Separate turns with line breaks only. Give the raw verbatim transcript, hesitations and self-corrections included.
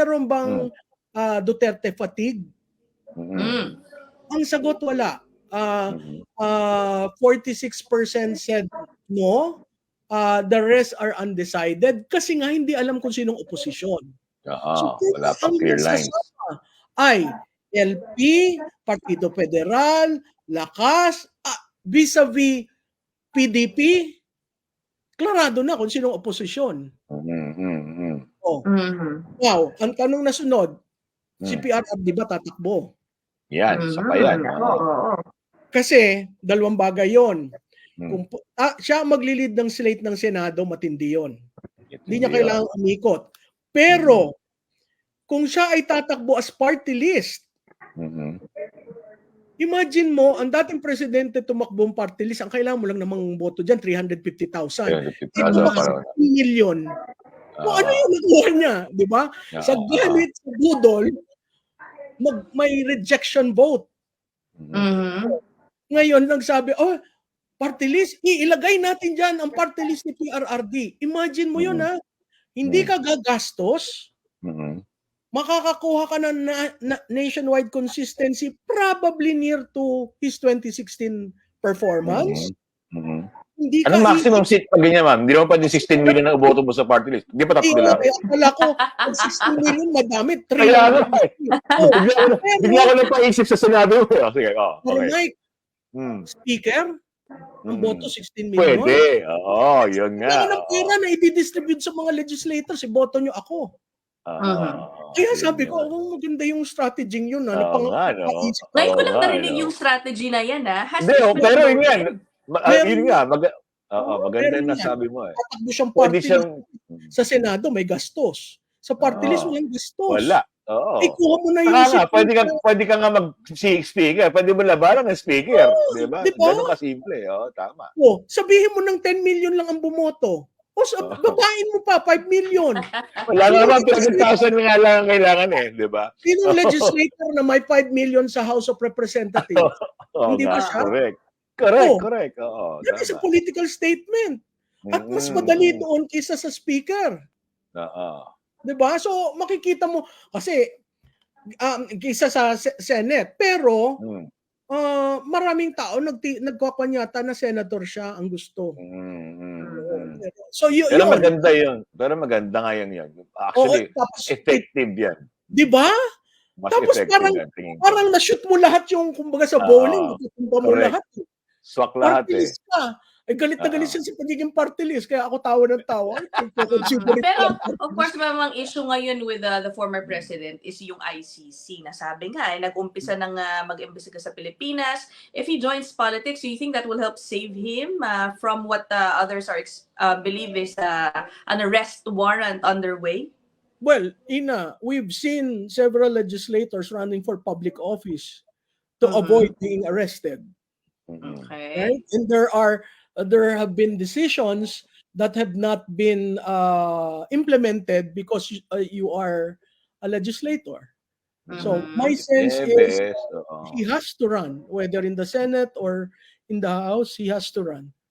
meron
Hmm.
bang ah, Duterte fatigue?
Mhm.
Mm.
Ang sagot, wala. Ah,
Mhm.
ah, forty-six percent said no. Ah, the rest are undecided kasi nga hindi alam kung sinong oposisyon. So,
Oo,
kung
wala pang
ang
clear lines.
nagsasama ay L P, Partido Federal, Lakas, ah, vis-a-vis P D P, klarado na kung sinong oposisyon.
Mhm, mhm.
Oh,
Mhm.
wow, ang tanong na sunod, si
Hmm.
P R R di ba tatakbo?
Yan, isa pa yan.
Mhm.
Oo.
Oo.
Kasi dalawang bagay yon.
Hmm.
Kung pu- ah, siya ang maglilid ng slate ng Senado, matindi yon. Hindi niya
Hindi yun.
kailangang umikot.
Mhm.
Pero kung siya ay tatakbo as party list,
Mhm.
imagine mo, ang dating presidente tumakbong party list, ang kailangan mo lang namang boto dyan, three hundred fifty thousand.
Kaya
Eh,
nagtitasa
tumakbo
parang
one million. So, ano
ah,
yung nakuha niya? Di ba? Sa
oo,
gamit, sa budol, mag, may rejection vote.
mhm.
Mhm.
Ngayon, nagsabi, oh, party list, iilagay natin dyan ang party list ni P R R D. Imagine mo yun,
Mhm.
ha? Hindi
Mhm.
ka gagastos,
Mhm.
makakakuha ka ng na, na, nationwide consistency probably near to his twenty sixteen performance.
Mhm. Mhm.
Hindi ka
Anong maximum
i-
seat pag ganyan, ma'am? Hindi naman pwede sixteen million na boto mo sa party list. Di ba tatlo
i-
lang?
Kaya akala ko, ang sixty million madami, three
Kaya
hundred
nga eh.
Oh,
Bigla ko, na-
pero,
bigla ko lang paisip sa Senado. Oh, sige, oh,
pero
okay.
Mike,
Hmm.
speaker, ang
Mhm.
boto sixteen million.
Pwede. Oo, yun nga.
Kaya ng
Oo.
pera na i-distribute sa mga legislators, iboto nyo ako.
Oo,
Mhm.
Kaya
yun
sabi ko,
yun.
oh, maganda yung strategy yun.
Oo
Ano, pang,
nga, no?
naisip ko.
Ngayon ko
Oo
lang
nga,
narinig
no?
yung strategy na yan, ha? Has
Hindi,
this
oh,
been
pero yun nga.
promoted?
Ma- ah,
Meron
yun
nga.
nga. Mag- Oo,
Oo,
maganda
meron
yung
yan.
nasabi mo eh.
Tatakbo siyang
Pwede
party
siyang...
list. Sa Senado, may gastos. Sa party list,
Oo.
walang gastos.
Wala. Oo.
Ay, kuha mo na yung
Saka nga,
seat
pwede ka,
mo.
pwede ka nga mag-speaker. Pwede mo labanan ng speaker.
Oo,
Di ba?
di ba?
Ganun kasimple. Oo, tama.
Oh, sabihin mo ng ten million lang ang bumoto. O sa,
Oo.
babain mo pa, five million.
Wala
Sinong
naman, twenty
legislator,
thousand nga lang ang kailangan eh. Di ba?
sinong legislator na may five million sa House of Representatives?
Oo
Hindi
nga,
ba siya?
correct. Correct,
Oh,
correct. Oo,
that is a
tama.
political statement. At mas
Mm-mm.
madali doon kaysa sa speaker.
Oo.
'Di ba? So makikita mo kasi um, kaysa sa se- Senate. Pero
Mm.
ah, maraming tao nagti nagkakanyata na senator siya ang gusto.
Mm, mm,
Oo.
mm.
So y-
Pero
yun.
maganda yun. Pero maganda nga yun yun.
Oo,
Actually,
tapos
effective yan.
'di ba?
Mas
Tapos
effective
parang
yan. Tingin ko.
parang na-shoot mo lahat yung kumbaga sa
Oo.
bowling, natutumba mo
Correct.
lahat. eh.
Swak lahat
Party
eh.
list ka. Ay galit na galit
Oo.
siya sa pagiging party list kaya ako tawa ng tawa. Ay, consider it
Pero,
lang party
of course,
list.
mamang issue ngayon with uh, the former president is yung I C C. Nasabi nga, eh, nag-umpisa ng uh, mag-imbestiga sa Pilipinas. If he joins politics, do you think that will help save him uh, from what uh, others are ex- uh, believe is uh, an arrest warrant underway?
Well, Ina, we've seen several legislators running for public office to
Mhm.
avoid being arrested,
Mm-mm.
Okay.
right? And there are uh, there have been decisions that have not been uh, implemented because you, uh, you are a legislator. So
Mhm.
my sense
Eh,
is
best. Oo.
he has to run, whether in the Senate or in the House, he has to run.